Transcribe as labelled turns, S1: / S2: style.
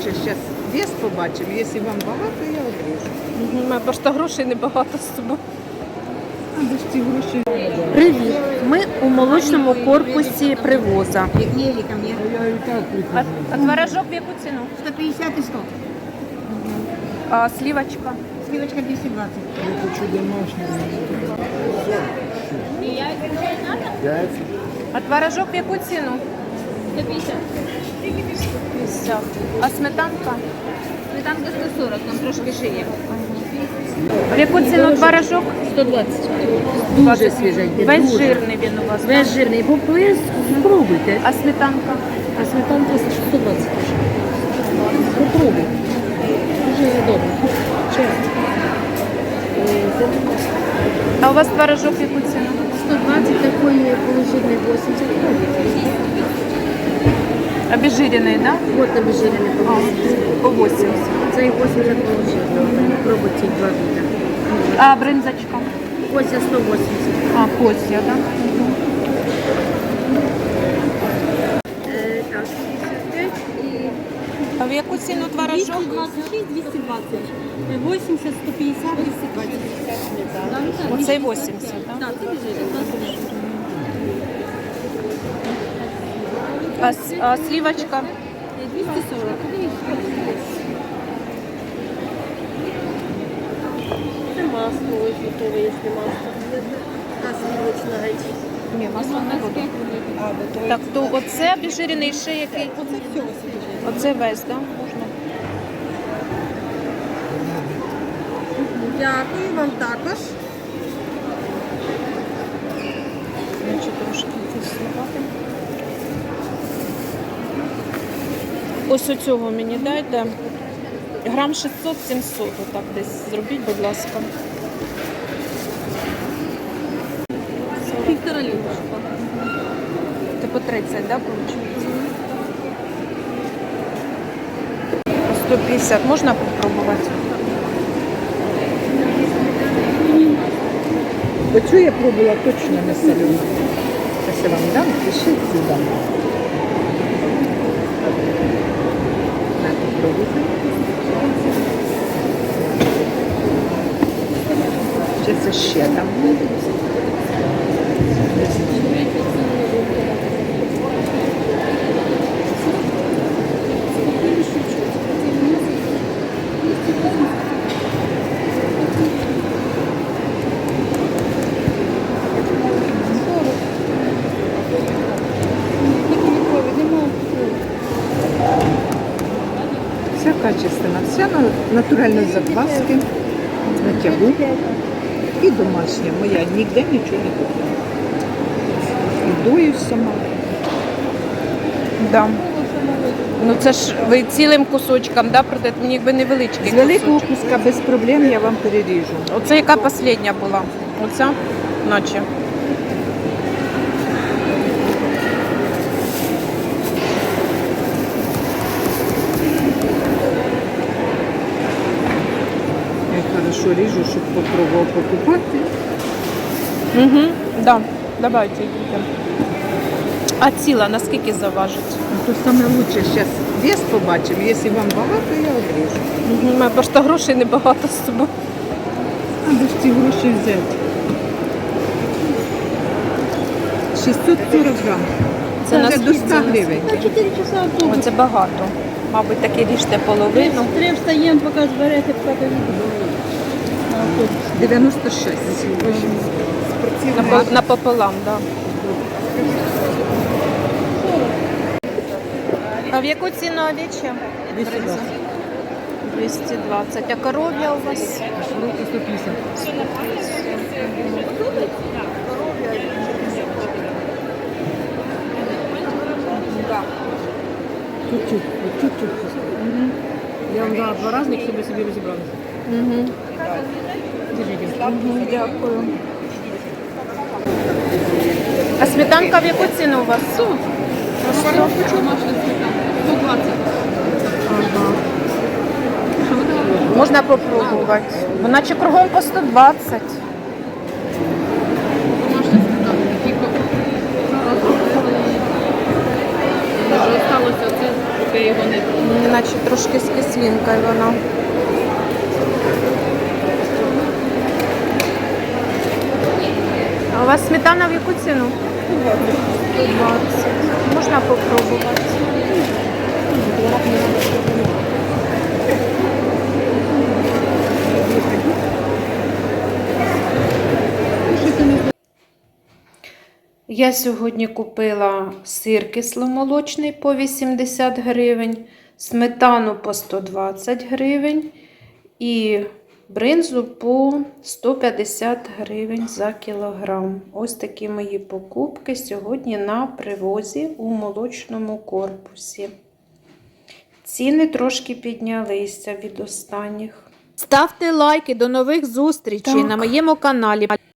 S1: лучше зараз вес побачимо. Якщо вам багато, я обріжу.
S2: У мене просто грошей небагато з собою.
S1: А де ж ці гроші?
S2: Привіт! Ми у молочному корпусі привоза.
S3: Ели ко мне.
S2: А творожок в яку ціну?
S3: 150 и 100.
S2: А слівочка?
S3: Сливочка 220.
S1: Я хочу домашню.
S2: А творожок в яку ціну?
S3: 150.
S2: 50. А сметанка?
S3: Сметанка 140, там трошки шиє.
S2: В яку ціну творожок?
S3: 120. Дуже свіженький.
S2: Весь
S3: дуже.
S2: жирний він у вас.
S3: Весь жирний. Ви спробуйте.
S2: А сметанка?
S3: А сметанка 120. Попробуй. Дуже добре. Чесно.
S2: А у вас творожок в яку ціну?
S3: 120 такої положительний 80.
S2: Обезжирений, так?
S3: Вот обезжирений по 80.
S2: По 80.
S3: Це і 80 положительний. Пробуйте ці два вида.
S2: А бринзочка?
S3: Кося 180.
S2: А, костя, так?
S3: Так, 65 і...
S2: А в яку ціну творожок?
S3: 226, 220. 80, 150, 220.
S2: Оцей 80, так?
S3: Так, це біжить.
S2: А слівочка?
S3: 240. Це масло, ось готове, якщо масло. А сливочна геть.
S2: Ні, масло не буде. Так, то оце обезжирений ще який?
S3: Оце все ось.
S2: Оце весь, так? Можна.
S3: Дякую вам також.
S2: Хочу трошки зсипати. Ось оцього мені дайте. Грам 600-700, отак десь зробіть, будь ласка.
S3: Півтора літра.
S2: Типу 30, так, виходить? 150. Можна попробувати?
S1: Оцю я пробувала точно не солену. Якщо вам дам, пишіть сюди. Так, попробуйте. Ще ще там. Вся качественна, вся натуральні закваски, на тягу і домашня. Моя ніде нічого не купила. І дою сама.
S2: Да. Ну це ж ви цілим кусочком, да, продаєте? Мені якби невеличкий
S1: З великого
S2: кусочок.
S1: куска без проблем я вам переріжу.
S2: Оце яка остання була? Оця? Наче.
S1: Я хорошо ріжу, щоб попробував покупати.
S2: Угу, да. Давайте йдемо. А ціла наскільки заважить?
S1: То саме лучше зараз вес побачимо. Якщо вам багато, я обріжу.
S2: Угу. У мене просто грошей небагато з собою.
S1: А де ж ці гроші взяти? 640 грам.
S2: Це
S1: Це вже до 100
S2: наскільки?
S1: гривень.
S3: 4 часа автобус.
S2: Оце багато. Мабуть, таки ріжте половину.
S3: 3 встаємо, поки зберете, поки поїдемо.
S1: 96.
S2: Напополам, так. Да. А в яку ціну овечя?
S1: 220.
S2: 220. А коров'я у вас?
S1: Руки 150.
S3: Чуть-чуть, чуть-чуть. Я вам дала 2 разних, щоб ви собі розібралися.
S2: Угу.
S3: Держите.
S2: Угу, дякую. А сметанка в яку ціну у вас?
S3: 100. Домашня сметана. 120.
S2: Ага.
S3: Що ви давали?
S2: Можна попробувати. Ну, наче кругом по 120.
S3: Домашня сметана. Тільки. Вже осталося це. його не
S2: Наче трошки з кислинкою вона. А у вас сметана в яку ціну? 120. Можна попробувати. Я сьогодні купила сир кисломолочний по 80 гривень, сметану по 120 гривень і бринзу по 150 гривень за кілограм. Ось такі мої покупки сьогодні на привозі у молочному корпусі. Ціни трошки піднялися від останніх. Ставте лайки, до нових зустрічей на моєму каналі.